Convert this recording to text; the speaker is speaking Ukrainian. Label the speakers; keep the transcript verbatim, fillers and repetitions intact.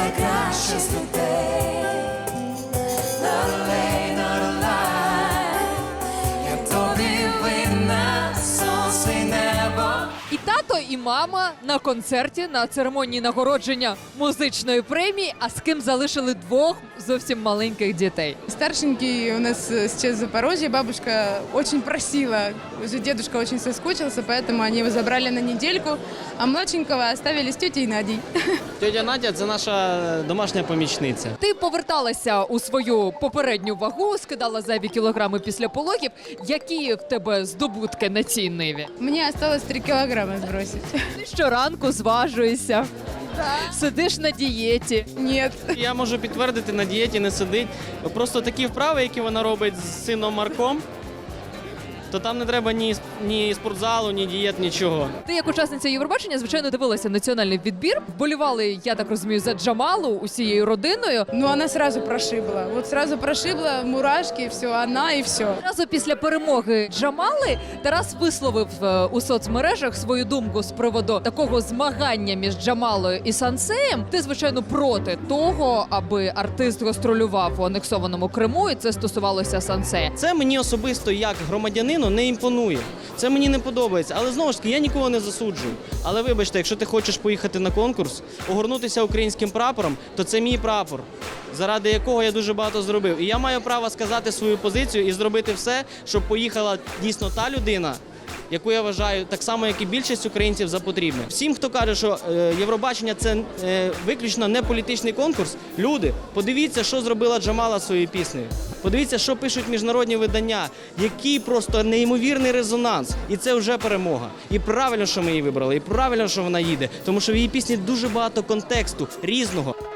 Speaker 1: найкраще з людей. Not a lay, not a lie. Я тобі винна, сонце й небо.
Speaker 2: І тато, і мама на концерті на церемонії нагородження музичної премії, а з ким залишили двох зовсім маленьких дітей.
Speaker 3: Старшенький у нас сейчас в Запорожье, бабушка очень просила, уже дедушка очень соскучился, поэтому они его забрали на недельку, а младшенького оставили с тетей Надей.
Speaker 4: Тетя Надя – це наша домашня помічниця.
Speaker 2: Ти поверталася у свою попередню вагу, скидала зайві кілограми після пологів. Які в тебе здобутки на цій ниві?
Speaker 3: Мне осталось три килограмма сбросить.
Speaker 2: Ти щоранку зважуєшся, сидиш на дієті.
Speaker 3: Нет.
Speaker 4: Я можу підтвердити, на дієті не сидить. Просто такі вправи, які вона робить з сином Марком, то там не треба ні, ні спортзалу, ні дієт, нічого.
Speaker 2: Ти як учасниця Євробачення, звичайно, дивилася національний відбір. Вболівали, я так розумію, за Джамалу усією родиною.
Speaker 3: Но она сразу прошибла. Вот сразу прошибла, мурашки, все, она и все.
Speaker 2: Одразу після перемоги Джамали Тарас висловив е, у соцмережах свою думку з приводу такого змагання між Джамалою і Сансеєм. Ти, звичайно, проти того, аби артист гастролював у анексованому Криму, і це стосувалося Сансея.
Speaker 4: Це мені особисто як громадянину не імпонує. Це мені не подобається. Але знову ж таки, я нікого не засуджую. Але вибачте, якщо ти хочеш поїхати на конкурс, огорнутися українським прапором, то це мій прапор, заради якого я дуже багато зробив. І я маю право сказати свою позицію і зробити все, щоб поїхала дійсно та людина, яку я вважаю так само, як і більшість українців, за потрібне. Всім, хто каже, що е, Євробачення – це е, виключно не політичний конкурс, люди, подивіться, що зробила Джамала своєю піснею. Подивіться, що пишуть міжнародні видання, який просто неймовірний резонанс. І це вже перемога. І правильно, що ми її вибрали, і правильно, що вона їде, тому що в її пісні дуже багато контексту різного.